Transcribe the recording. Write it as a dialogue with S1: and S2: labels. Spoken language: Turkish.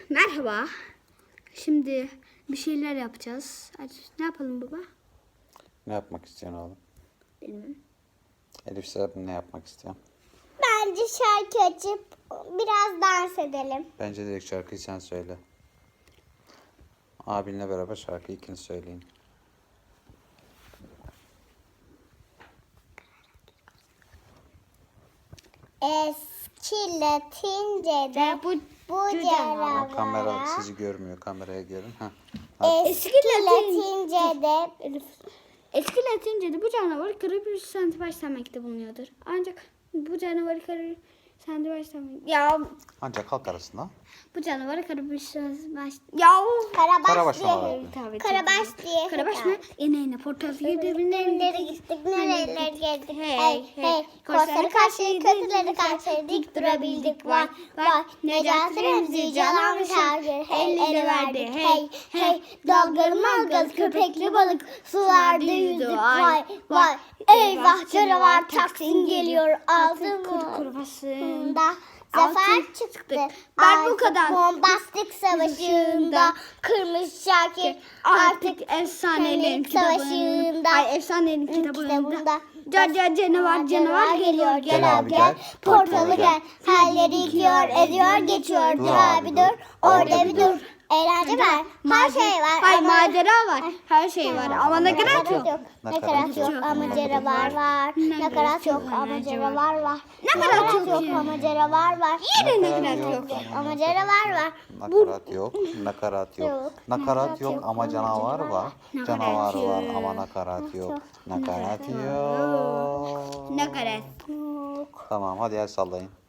S1: Merhaba. Şimdi bir şeyler yapacağız. Hadi, ne yapalım baba?
S2: Ne yapmak istiyorsun oğlum?
S1: Bilmem.
S2: Elif sen ne yapmak istiyorsun?
S3: Bence şarkı açıp biraz dans edelim.
S2: Bence direkt şarkıyı sen söyle. Abinle beraber şarkıyı ikiniz söyleyin.
S3: Eski Latince'de
S1: Bu
S3: bu
S2: Ama kamera
S3: canavarlara
S2: sizi görmüyor. Kameraya gelin.
S3: eski Latince'de
S1: eski Latince'de bu canavar kırıp bir santibaş demekte bulunuyordur. Ancak bu canavarı kırıp santibaş demek. Ya
S2: Ancak halk arasında.
S1: bu canavarı kırıp bir santibaş. Ya
S2: Karabaş mı
S3: diye.
S2: var?
S1: tabii.
S3: Karabaş diye.
S1: Karabaş mı? Yine portal gibi
S3: Nerelere gittik, nerelere geldik.
S1: Hey,
S3: Hey,
S1: hey.
S3: hey. Korsları karşı, kötüleri karşı dik durabildik. Vay, vay. Necati Remzi, Canan Şarkır. Elleri verdik. Hey, hey. Dalgalı malgalı, köpekli balık. Sularda yüzdük. Vay, vay. Eyvah canavar Taksim geliyor. Altın
S1: kurbaşın.
S3: da zafer çıktı.
S1: Ben bu kadar.
S3: Bombastik savaşında kırmış Şakir
S1: Artık efsanelerin
S3: Savaşında.
S1: Ay efsanelerin kitabında. Canavar geliyor.
S2: Gel abi, gel.
S3: Portalı gel. Halleri yıkıyor, ediyor, geçiyor. Dur abi dur. Orada bir dur. Eğlence var. Her şey var.
S1: Hayır
S3: ama-
S1: macera var. Her şey var ama nakarat yok.
S3: Nakarat yok ama canavar var. Nakarat yok ama canavar var.
S1: Nakarat yok
S3: ama canavar var.
S1: Yine nakarat yok.
S3: Ama canavar var.
S2: Nakarat yok. Nakarat yok.
S3: Yok.
S2: Nakarat yok ama canavar var. Canavar
S1: yok.
S2: var ama nakarat yok. Nakarat yok.
S1: Nakarat.
S2: Tamam hadi el sallayın.